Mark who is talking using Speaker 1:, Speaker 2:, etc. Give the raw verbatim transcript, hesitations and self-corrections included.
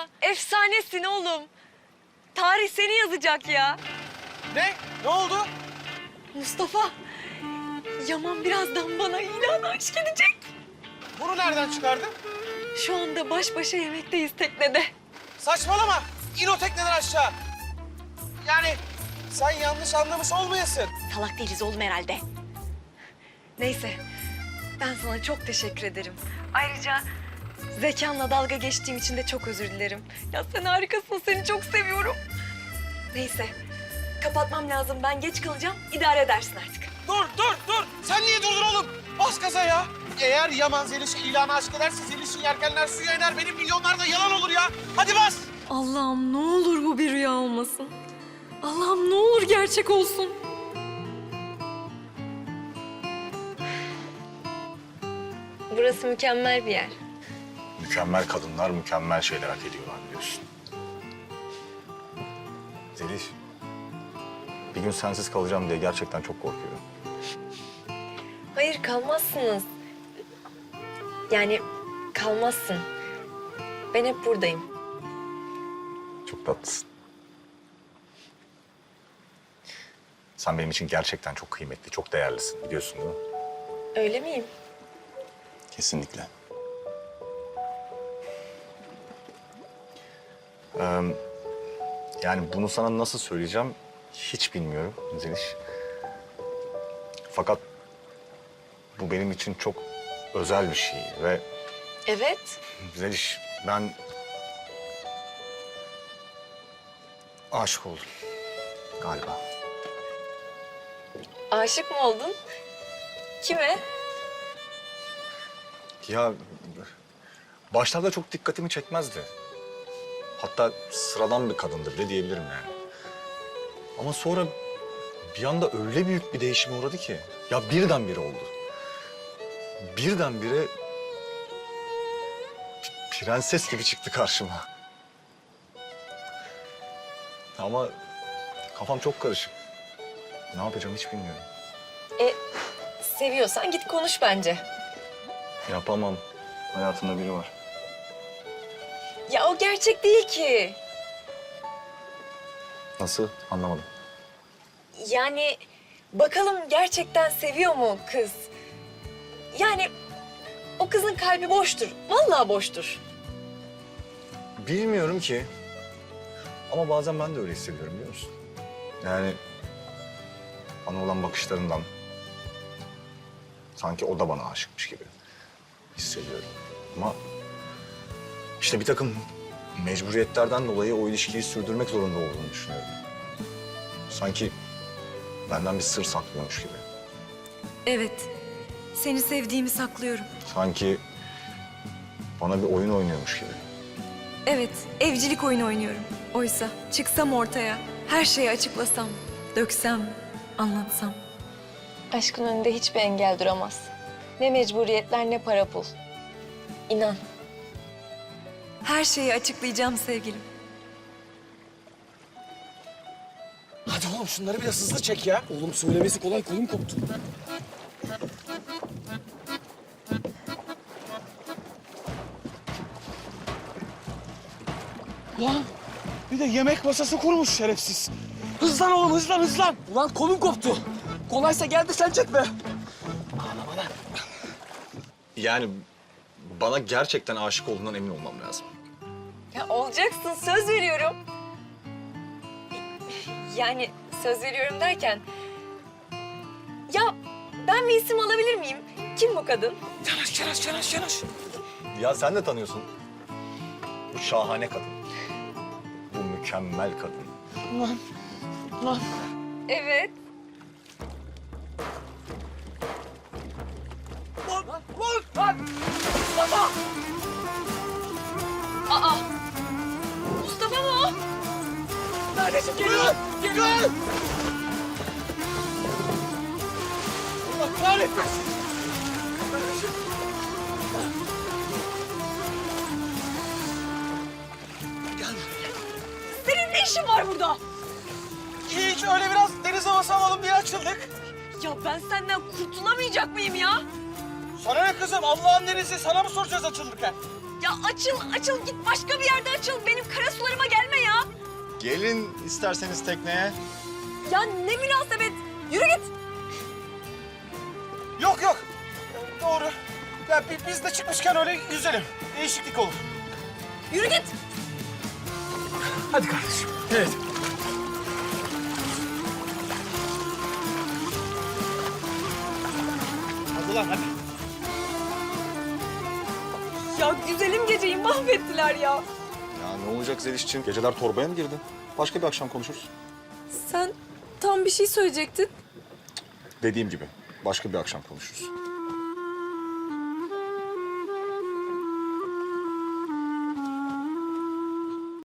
Speaker 1: ya. Efsanesin oğlum. Tarih seni yazacak ya.
Speaker 2: Ne? Ne oldu?
Speaker 1: Mustafa, Yaman birazdan bana ilan aşk edecek.
Speaker 2: Bunu nereden çıkardın?
Speaker 1: Şu anda baş başa yemekteyiz teknede.
Speaker 2: Saçmalama. İn o tekneden aşağı. Yani sen yanlış anlamış olmayasın.
Speaker 1: Salak değiliz oğlum herhalde. Neyse, ben sana çok teşekkür ederim. Ayrıca zekanla dalga geçtiğim için de çok özür dilerim. Ya sen harikasın, seni çok seviyorum. Neyse, kapatmam lazım. Ben geç kalacağım, idare edersin artık.
Speaker 2: Dur, dur, dur. Sen niye durdun oğlum? Bas gaza ya. Eğer Yaman Zeliş'e ilanı aşk ederse Zeliş'in yelkenler suya iner. Benim milyonlar da yalan olur ya. Hadi bas.
Speaker 1: Allah'ım ne olur bu bir rüya olmasın. Allah'ım ne olur gerçek olsun. Burası mükemmel bir yer.
Speaker 3: Mükemmel kadınlar mükemmel şeyler hak ediyorlar biliyorsun. Zeliş, bir gün sensiz kalacağım diye gerçekten çok korkuyorum.
Speaker 1: Hayır kalmazsınız. Yani kalmazsın. Ben hep buradayım.
Speaker 3: Çok tatlısın. Sen benim için gerçekten çok kıymetli, çok değerlisin biliyorsun değil mi?
Speaker 1: Öyle miyim?
Speaker 3: Kesinlikle. Ee, yani bunu sana nasıl söyleyeceğim hiç bilmiyorum Zeliş. Fakat bu benim için çok özel bir şey ve
Speaker 1: Evet.
Speaker 3: Zeliş ben aşık oldum galiba.
Speaker 1: Aşık mı oldun? Kime?
Speaker 3: Ya başlarda çok dikkatimi çekmezdi. Hatta sıradan bir kadındı bile diyebilirim yani. Ama sonra bir anda öyle büyük bir değişime uğradı ki. Ya birdenbire oldu. Birdenbire p- prenses gibi çıktı karşıma. Ama kafam çok karışık. Ne yapacağım hiç bilmiyorum.
Speaker 1: E, seviyorsan git konuş bence.
Speaker 3: Yapamam. Hayatımda biri var.
Speaker 1: Ya o gerçek değil ki.
Speaker 3: Nasıl? Anlamadım.
Speaker 1: Yani bakalım gerçekten seviyor mu kız? Yani o kızın kalbi boştur. Vallahi boştur.
Speaker 3: Bilmiyorum ki. Ama bazen ben de öyle hissediyorum biliyor musun? Yani bana olan bakışlarından sanki o da bana aşıkmış gibi hissediyorum. Ama işte bir takım mecburiyetlerden dolayı o ilişkiyi sürdürmek zorunda olduğunu düşünüyorum. Sanki benden bir sır saklıyormuş gibi.
Speaker 1: Evet. Seni sevdiğimi saklıyorum.
Speaker 3: Sanki bana bir oyun oynuyormuş gibi.
Speaker 1: Evet, evcilik oyunu oynuyorum. Oysa çıksam ortaya, her şeyi açıklasam, döksem, anlatsam. Aşkın önünde hiçbir engel duramaz. Ne mecburiyetler ne para pul. İnan. Her şeyi açıklayacağım sevgilim.
Speaker 2: Hadi oğlum şunları biraz hızlı çek ya.
Speaker 4: Oğlum söylemesi kolay, kolum koptu.
Speaker 2: Lan bir de yemek masası kurmuş şerefsiz. Hızlan oğlum hızlan hızlan.
Speaker 4: Ulan kolum koptu. Kolaysa gel de sen çekme.
Speaker 3: Yani bana gerçekten aşık olduğundan emin olmam lazım.
Speaker 1: Ya olacaksın, söz veriyorum. Yani söz veriyorum derken... Ya ben bir isim alabilir miyim? Kim bu kadın?
Speaker 2: Yanaş yanaş yanaş yanaş.
Speaker 3: Ya sen de tanıyorsun. Bu şahane kadın. Bu mükemmel kadın.
Speaker 2: Lan lan.
Speaker 1: Evet.
Speaker 2: Lan lan lan. Mustafa.
Speaker 1: Aa! Mustafa mı o?
Speaker 2: Neredesin? Geliyor. Geliyor. Allah kahretmesin. Kardeşim. Gel buraya.
Speaker 1: Senin ne işin var burada?
Speaker 2: Hiç öyle biraz deniz havası alalım diye açıldık.
Speaker 1: Ya ben senden kurtulamayacak mıyım ya?
Speaker 2: Sana ne kızım? Allah'ın denizi sana mı soracağız açılırken?
Speaker 1: Ya açıl açıl git başka bir yerde açıl. Benim kara sularıma gelme ya.
Speaker 3: Gelin isterseniz tekneye.
Speaker 1: Ya ne münasebet. Yürü git.
Speaker 2: Yok yok. Doğru. Ya bi- biz de çıkmışken öyle yüzelim. Değişiklik olur.
Speaker 1: Yürü git.
Speaker 2: Hadi kardeşim. Evet. Hadi lan hadi.
Speaker 1: Ya güzelim geceyi mahvettiler ya.
Speaker 3: Ya ne olacak Zeliş'ciğim? Geceler torbaya mı girdin? Başka bir akşam konuşuruz.
Speaker 1: Sen tam bir şey söyleyecektin.
Speaker 3: Dediğim gibi başka bir akşam konuşuruz.